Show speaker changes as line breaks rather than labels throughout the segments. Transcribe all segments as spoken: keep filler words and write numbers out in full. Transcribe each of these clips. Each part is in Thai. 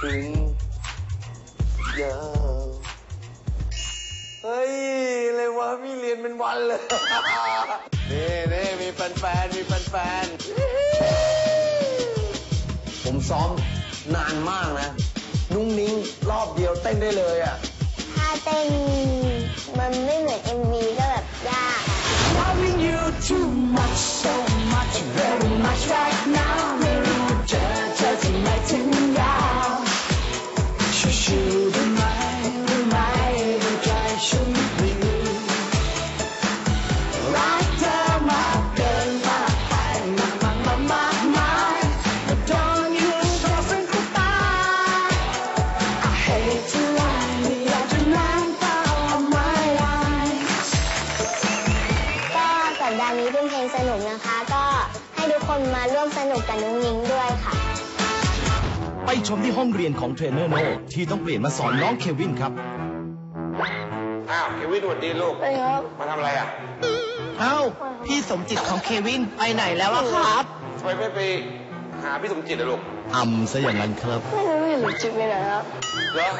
ถึงยาวเฮ้ยเลยวะพี่เรียนเป็นวันเลยนี่นี่มีแฟนๆมีแฟนๆผมซ้อมนานมากนะนุ่งนิ้งรอบเดียวเต้นได้เลยอ่ะ
ถ้าเต้นมันไม่เหมือน เอ็ม วี ก็แบบยาก
Loving you too much so much very much right now ไม่รู้เจอเธอที่ไหนถึงยาวชิวๆได้ไหมได้ไหมดูใจฉันดีรักเธอมากเกินมากไปมากมากมากมากมาก But don't you so think about I hate to lie ไม่อยากจะนั่งเฝ้า my eyes
ก็สัปดาห์นี้เป็นเพลงสนุกนะคะก็ให้ทุกคนมาร่วมสนุกกับนุ้งนิ้งด้วยค่ะ
ไปชมที่ห้องเรียนของเทรนเนอร์โน่ที่ต้องเปลี่ยนมาสอนน้องเควินครับ
อ้าวเควินสวัสดีลูก
ไปครับ
มาทำอะไรอ่ะ
เอ้าพี่สมจิตของเควินไปไหนแล้วอะครับ
ทำไมไม่ไปหาพี่สมจิตอะลูก
อ่ำซะอย่างนั้นครับ
ไม่รู้อยู่จิตไปไหนครับ
เหรอ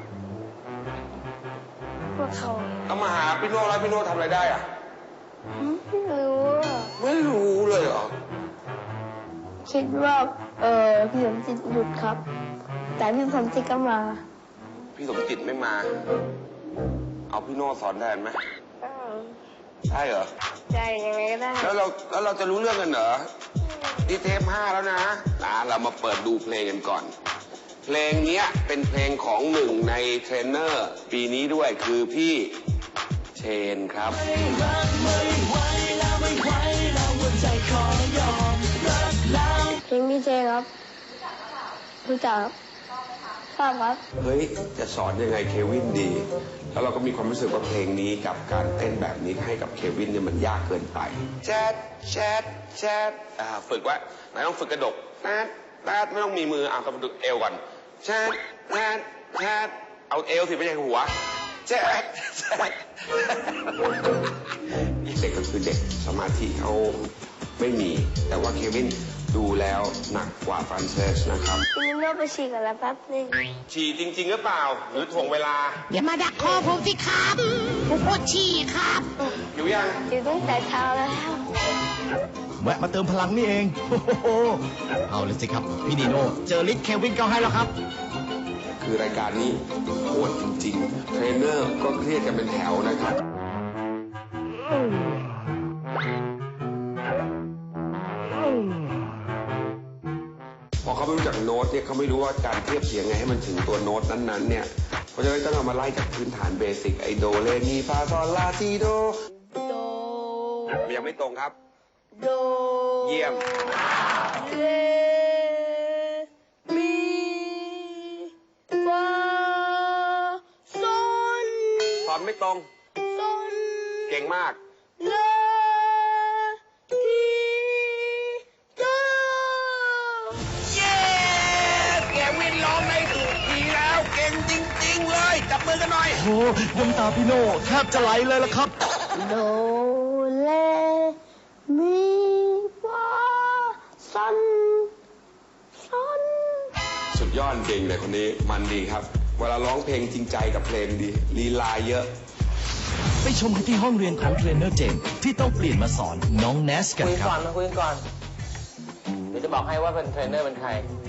พวกเขา
ต้องมาหาพี่โน่แล้วพี่โน่ทำอะไรได้อ่ะ
ไม่รู้
ไม่รู้เลยเหรอ
คิดว่าเออพี่สมจิตหยุดครับแต่พี่สมจิตก็มา
พี่สมจิตไม่มาเอาพี่โน่สอนแทนไหมใช่เหรอ
ใช่ยังไงก็ได้
แล้วเราแล้วเราจะรู้เรื่องกันเหรอนี่เทปห้าแล้วนะอ่าเรามาเปิดดูเพลงกันก่อนเพลงนี้เป็นเพลงของหนึ่งในเทรนเนอร์ปีนี้ด้วยคือพี่เชนครับ
เพลงพี่เชนครับรู้จักทราบครับ
เฮ้ยจะสอนยังไงเควินดีแล้วเราก็มีความรู้สึกว่าเพลงนี้กับการเต้นแบบนี้ให้กับเควินเนี่ยมันยากเกินไปแชทแชทแชทอ่าฝึกไว้นายต้องฝึกกระดกแชทแชทไม่ต้องมีมือเอาต้องฝึกเอวก่อนแชทแชทแชทเอาเอวสิไม่ใช่หัวแชทแชทเด็กก็คือเด็กสมาธิเขาไม่มีแต่ว่าเควินดูแล้วหนักกว่าฟรานเซสนะครับ
พี่โน่ไปฉี่กันแล้วแป๊บนึง
ฉี่จริงๆหรือเปล่าหรือถ่วงเวลา
อย่ามาดักคอผมสิครับผมปวดฉี่ครับ
อยู่ยัง
อยู่ตั้งแต่เช้าแล้ว
แวะมาเติมพลังนี่เองโอ้โหเอาเลยสิครับพี่นีโน่เจอลิศเควินก็ให้แล้วครับ
คือรายการนี้โหดจริงๆเทรนเนอร์ก็เครียดกันเป็นแถวนะครับพอเขาไม่รู้จักโน้ตเนี่ยเขาไม่รู้ว่าการเทียบเสียงไงให้มันถึงตัวโน้ตนั้นๆเนี่ยเพราะฉะนั้นต้องเอามาไล่จากพื้นฐานเบสิกไอโดเรมีฟาซอลลาซีโด
โด
ยังไม่ตรงครับ
โด
เยี่ยม
เรมีฟาซอล
สอนไม่ตรง
ซอล
เก่งมาก
ลาทีโด
เย้เควินร้องได้ถูกทีแล้วเก่งจริงๆเลยจับมือกันหน่อย
โอ้น้ำตาพี่โน่แทบจะไหลเลยล่ะครับ
โดเลมีฟาซอลซอล
สุดยอดเก่งเลยคนนี้มันดีครับเวลาร้องเพลงจริงใจกับเพลงดีลีลาเยอะ
ไปชมกันที่ห้องเรียนของเทรนเนอร์เจมที่ต้องเปลี่ยนมาสอนน้องเนสกันครับคุย
ก่อนมาคุยก่อนเดี๋ยวจะบอกให้ว่าเป็นเทรนเนอร์เป็นใคร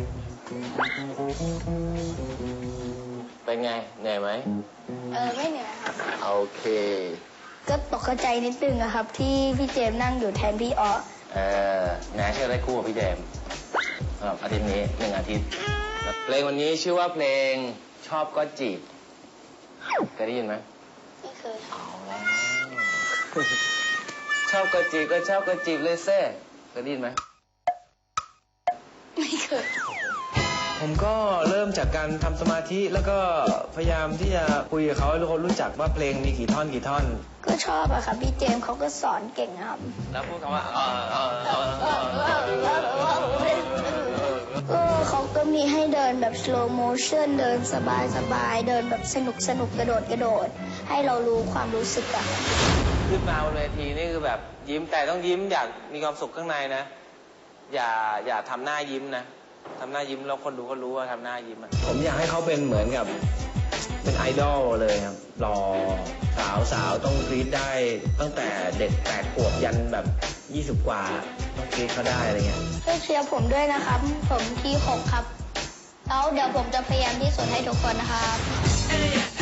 เป็นไงเหนื่อยไหม
เออไม่เหนื่อยครับ
โอเค
ก็ตกใจนิดนึงอะครับที่พี่เจมนั่งอยู่แทนพี่ออ
เออแนชจะได้คู่กับพี่เจมครับอาทิตย์นี้หนึ่งอาทิตย์เพลงวันนี้ชื่อว่าเพลงชอบก็จีบเคยได้ยินไหม
ไม่เคย
เอาแล้วชอบก็จีบก็ชอบก็จีบเลยเซ่เคยได้ยินไหม
ไม่เคย
ผมก็เริ่มจากการทำสมาธิแล้วก็พยายามที่จะคุยกับเขาให้เขารู้จักว่าเพลงมีกี่ท่อนกี่ท่อน
ก็ชอบอะค่ะพี่เจมเขาก็สอนเก่งครับ
แล้วพูดคำว่าเออเออเออ
เออเขาก็มีให้เดินแบบ slow motion เดินสบายสบายเดินแบบสนุกสนุกกระโดดกระโดดให้เรารู้ความรู้สึกอะ
ขึ้นมาบนเวทีนี่คือแบบยิ้มแต่ต้องยิ้มอยากมีความสุขข้างในนะอย่าอย่าทำหน้ายิ้มนะทำหน้ายิ้มแล้วคนดูก็รู้ว่าทำหน้ายิ้มอะผมอยากให้เขาเป็นเหมือนกับเป็นไอดอลเลยครับหล่อสาวสาวต้องกรี๊ดได้ตั้งแต่เด็กแปดขวบยันแบบยี่สิบกว่าต้องกรี๊ดเขาได้อะไรเงี้ย
ช่วยเชียร์ผมด้วยนะครับ ผมที่หกครับ แล้วเดี๋ยวผมจะพยายามที่สุดให้ทุกคนนะครับ